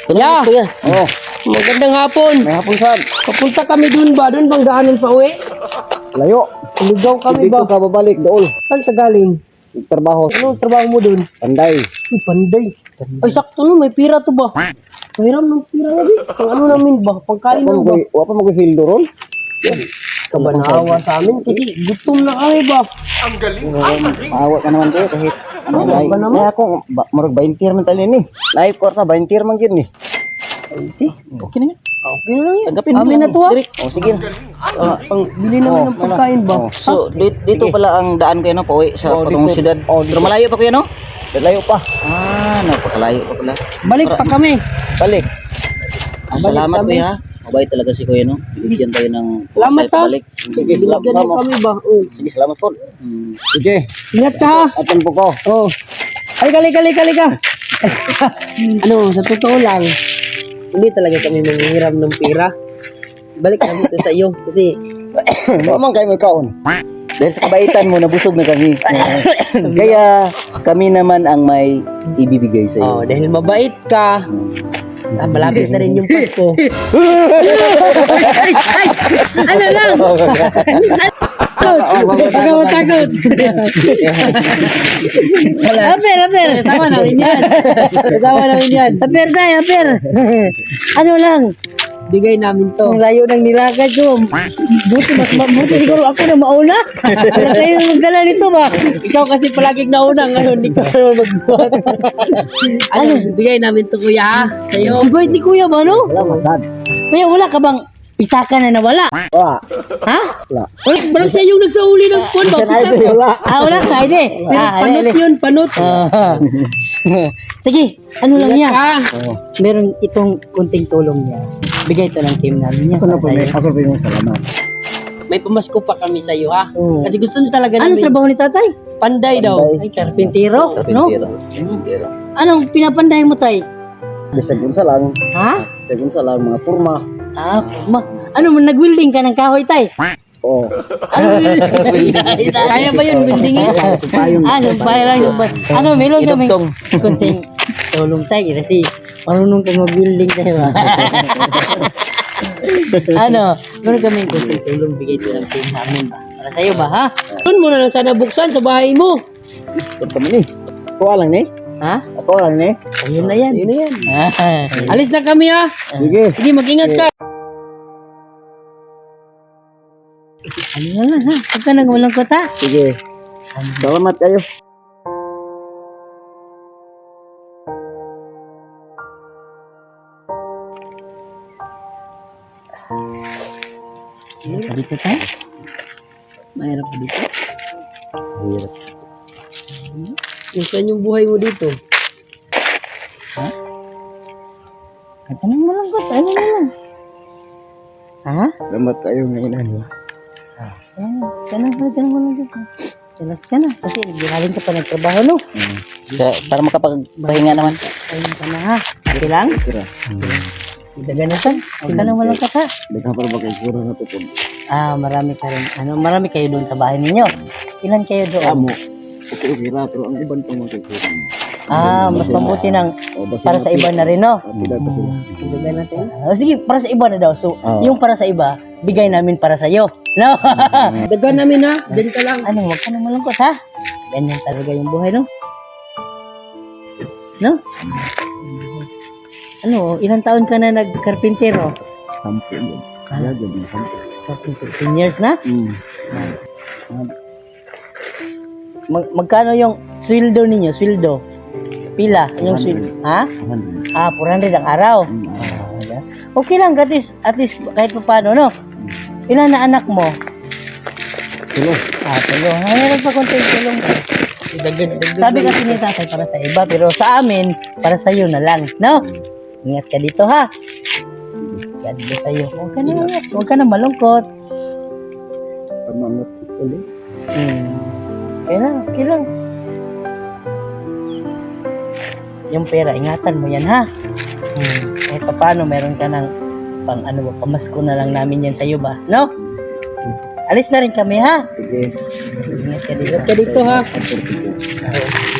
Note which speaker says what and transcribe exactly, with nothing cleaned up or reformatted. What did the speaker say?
Speaker 1: Ya.
Speaker 2: Kuya.
Speaker 3: Oh,
Speaker 1: Magandang hapon.
Speaker 3: may hapon saan?
Speaker 1: Papunta kami dun ba? Dun bang daanan pa uwi?
Speaker 3: Layo.
Speaker 1: Ligaw kami
Speaker 3: Dito
Speaker 1: ba?
Speaker 3: ka babalik dool.
Speaker 1: Saan ka galing?
Speaker 3: Trabaho.
Speaker 1: Ano trabaho mo dun?
Speaker 3: Panday.
Speaker 1: Uy, panday. Ay, sakto no, may pira to ba? Mayroon ng pira na din. Pang ano namin ba? Pangkain
Speaker 3: Wa
Speaker 1: lang ba?
Speaker 3: pa mo ko fildo ron.
Speaker 1: Kabanawa sa amin kasi gutom na kami ba?
Speaker 2: Maawa ka naman kayo kahit
Speaker 1: Ano ba naman?
Speaker 3: Kaya ako ba- murag twenty man tali ni. Live court na twenty man gyud ni.
Speaker 1: Okay.
Speaker 2: okay na yan.
Speaker 1: Okay na lang yan.
Speaker 2: Tanggapin mo
Speaker 1: Amin
Speaker 2: lang.
Speaker 1: na to ah.
Speaker 2: Direk.
Speaker 3: Oh, sige.
Speaker 1: Ah, pang bili namin ng pagkain ba?
Speaker 3: Oh.
Speaker 2: So, dito, dito pala ang daan ko, no? Pauwi sa
Speaker 3: Oh,
Speaker 2: patungong
Speaker 3: dito.
Speaker 2: syudad.
Speaker 3: Oh, dito.
Speaker 2: Pero malayo pa kuya, no?
Speaker 3: Layo pa.
Speaker 2: Ah, napakalayo pa pala.
Speaker 1: Balik pa kami.
Speaker 3: Balik.
Speaker 2: Ah, salamat
Speaker 1: kami.
Speaker 2: kuya. Mabait talaga si kuya, no? Bibigyan tayo ng
Speaker 1: Salamat,
Speaker 2: pasay pabalik.
Speaker 3: Sige,
Speaker 1: Binigyan
Speaker 3: salamat
Speaker 1: mo
Speaker 3: mo.
Speaker 1: kami ba? Oh.
Speaker 3: Sige, salamat po.
Speaker 2: Hmm.
Speaker 3: Sige.
Speaker 1: Ingat ka ha.
Speaker 3: Atan po ko.
Speaker 1: Oh. Halika, halika, halika, halika. Ano, sa totoo lang, hindi talaga kami manghihiram ng pera. Balik kami ito sa iyo kasi
Speaker 3: Mamang kayo may kaon.
Speaker 2: Dahil sa kabaitan mo, nabusog na kami. Kaya kami naman ang may ibibigay sa iyo.
Speaker 1: oh, dahil mabait ka, ah, malapit na rin yung Pasko. Ay, ay, ano lang? Takot, takot, takot. Aper, aper. Kasama namin yan. Kasama namin yan. Aper tayo, aper. Ano lang? Bigay namin to. Ang layo ng nilakad ko. Buti, mas mabuti siguro ako na mauna. Wala kayo magdala nito ba? Ikaw kasi palaging nauna. Ngayon, hindi ko naman magbuhat. Ano? Bigay namin to kuya ha? Sa'yo. Ang bait ni kuya ba, no?
Speaker 3: Wala matad.
Speaker 1: Kuya, wala ka bang pitaka na nawala?
Speaker 3: Wala.
Speaker 1: Ha?
Speaker 3: Wala.
Speaker 1: Wala, barang siya yung nagsauli ng phone ba?
Speaker 3: Ay, di, wala.
Speaker 1: Ah, wala ka, hindi. Pero panot yun, panot. Sige, ano lang yan?
Speaker 3: Oh.
Speaker 1: Meron itong kunting tulong niya. Bigay ito ng team namin niya.
Speaker 3: Ako na po, may ako po yung salamat.
Speaker 1: May pamasko pa kami sa iyo ha.
Speaker 3: Oo.
Speaker 1: Kasi gusto niyo talaga
Speaker 4: Anong
Speaker 1: namin.
Speaker 4: trabaho ni tatay?
Speaker 1: Panday daw.
Speaker 3: Panday.
Speaker 1: Ay, karpintero. No?
Speaker 2: Pero,
Speaker 4: Anong pinapanday mo, tay?
Speaker 3: Bisag unsa lang.
Speaker 4: Ha?
Speaker 3: Bisag unsa lang mga purma.
Speaker 4: Ah, ma ano mo, nag-welding ka ng kahoy, tay?
Speaker 3: Oh.
Speaker 4: Ano,
Speaker 1: Kaya ba yun, buildingin?
Speaker 3: Supayong.
Speaker 4: Ah, sumpay lang. Sumpay. Ano, meron kami
Speaker 2: idugtong.
Speaker 4: kunting tulong, tay. Kasi marunong kang mag-welding, tay, ba? Ano, meron kami kunting tulong, bigay ito ng team namin, ba? Para sa'yo ba, ha?
Speaker 1: Doon mo na lang sana buksan sa bahay mo.
Speaker 3: Ito kami ni. Ako lang ni.
Speaker 4: Ha?
Speaker 3: Ako lang ni.
Speaker 4: Ayun na yan.
Speaker 1: Ayun na yan.
Speaker 4: Ah.
Speaker 1: Alis na kami ha.
Speaker 3: Sige.
Speaker 1: Sige, mag-ingat ka.
Speaker 4: Ano na lang, ha? Huwag ka nang walang kota.
Speaker 3: Sige. Salamat kayo.
Speaker 4: Mayroon pa dito, tay? Mayroon pa dito?
Speaker 3: Hirap.
Speaker 1: Saan yung buhay mo dito?
Speaker 4: Katanong mo lang, kota. Ano na lang? Ha?
Speaker 3: Salamat kayo ngayon ano.
Speaker 4: Ayan, tanong mo, tanong mo lang dito. Jelas ka na. Kasi galing ka pa nagtrabaho, no?
Speaker 2: Para, para makapagpahinga naman.
Speaker 4: Ayun ka na, ha? Okay lang?
Speaker 3: Kira.
Speaker 4: Idaganasan. Huwag ka nang walang kata.
Speaker 3: Daghan pa ba kay kura na to po.
Speaker 4: Ah, marami ka rin. Ano, marami kayo doon sa bahay ninyo. Ilan kayo doon?
Speaker 3: Amo. Okay, kira pero ang iban pa mo kay kura.
Speaker 4: Ah, mas mabuti ng
Speaker 3: O, basta
Speaker 4: para sa iba na rin, no?
Speaker 3: Pila pa sila.
Speaker 1: Ilagay natin.
Speaker 4: Ah, sige, para sa iba na daw. So,
Speaker 3: Oo.
Speaker 4: yung para sa iba, bigay namin para sa iyo. No?
Speaker 1: Dagan namin ha. Diyan ka lang.
Speaker 4: Ano, huwag ka nang malungkot, ha? Ganyan talaga yung buhay, no? No? Ano, ilang taon ka na nagkarpintero?
Speaker 3: Sampo yun. Kaya dyan, sampo.
Speaker 4: fifteen years na?
Speaker 3: Hmm.
Speaker 4: Mag magkano yung sweldo ninyo? Sweldo? Pila? Yung sweldo? Ha?
Speaker 3: Ahan.
Speaker 4: Ah, four hundred ang araw.
Speaker 3: Hmm.
Speaker 4: Ah, okay lang, at least, at least kahit pa paano, no? Ilan na anak mo?
Speaker 3: Tulo.
Speaker 4: Ah, tulong. Ah, meron pa konting tulong.
Speaker 1: Dagdag, dagdag.
Speaker 4: Sabi kasi ni tatay para sa iba, pero sa amin, para sa iyo na lang, no? Ingat ka dito, ha? God bless sa iyo. Huwag ka na, huwag ka na malungkot.
Speaker 3: Pamangat ulit.
Speaker 4: Hmm. Okay lang, okay lang. Yung pera, ingatan mo yan, ha? Hmm. Kahit pa paano, meron ka ng pang ano ba, pamasko na lang namin yan sa iyo ba, no? Alis na rin kami, ha?
Speaker 3: Sige.
Speaker 4: Ingat ka dito.
Speaker 1: Ingat ka dito ha.
Speaker 3: Sige.